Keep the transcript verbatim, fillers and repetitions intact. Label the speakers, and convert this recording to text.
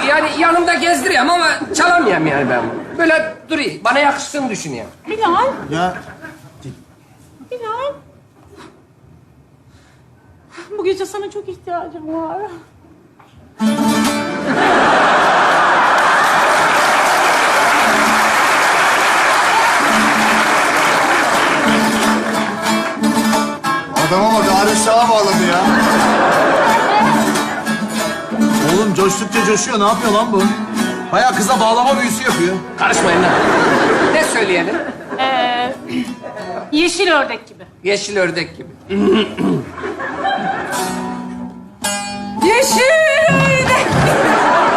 Speaker 1: Yani yanımda gezdiriyorum ama çalamıyorum yani ben. Böyle durayım. Bana yakıştığını düşünüyorum.
Speaker 2: Bilal,
Speaker 3: Ya
Speaker 2: Bilal. Bu gece sana çok ihtiyacım var.
Speaker 3: adama bak Arif Şah'a bağladı ya. Oğlum coştukça coşuyor. Ne yapıyor lan bu? Bayağı kıza bağlama büyüsü yapıyor.
Speaker 1: Karışmayın lan. Ne söyleyelim?
Speaker 2: Ee, yeşil ördek gibi.
Speaker 1: Yeşil ördek gibi. Yeşil ördek.